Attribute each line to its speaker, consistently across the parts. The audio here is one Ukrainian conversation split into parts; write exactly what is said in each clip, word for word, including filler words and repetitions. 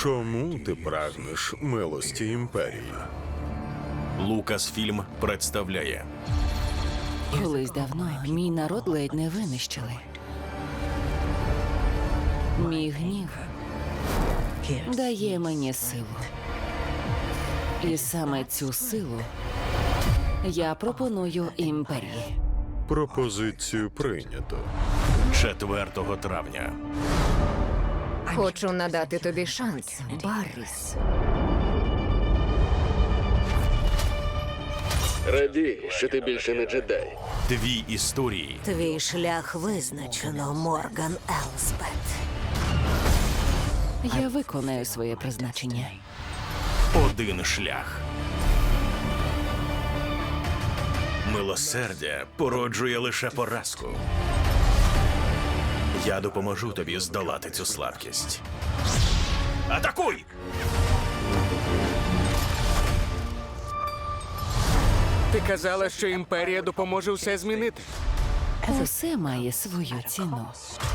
Speaker 1: Чому ти прагнеш милості імперії?
Speaker 2: Лукасфільм представляє
Speaker 3: Колись давно мій народ ледь не винищили. Мій гнів дає мені силу. І саме цю силу я пропоную імперії.
Speaker 1: Пропозицію прийнято.
Speaker 2: четвертого травня.
Speaker 4: Хочу надати тобі шанс, Барріс.
Speaker 5: Радій, що ти більше не джедай.
Speaker 2: Дві історії,
Speaker 6: Твій шлях визначено, Морган Елспет.
Speaker 3: Я виконаю своє призначення.
Speaker 2: один шлях. Милосердя породжує лише поразку. Я допоможу тобі здолати цю слабкість. Атакуй!
Speaker 7: Ти казала, що імперія допоможе все змінити.
Speaker 3: Усе має свою ціну.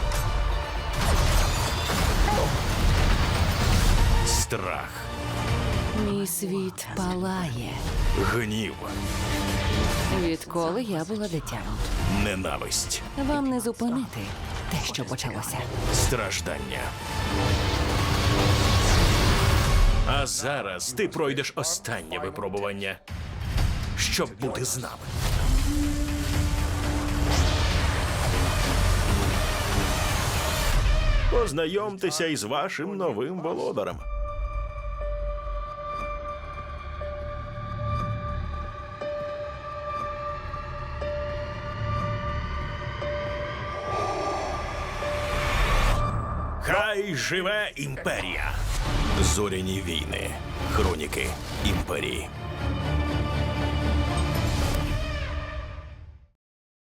Speaker 2: Страх,
Speaker 3: Мій світ палає,
Speaker 2: гнів,
Speaker 3: відколи я була дитям.
Speaker 2: ненависть,
Speaker 3: Вам не зупинити те, що почалося.
Speaker 2: страждання. А зараз ти пройдеш останнє випробування, щоб бути з нами. Познайомтеся із вашим новим володарем. Хай живе імперія! Зоряні війни. Хроніки імперії.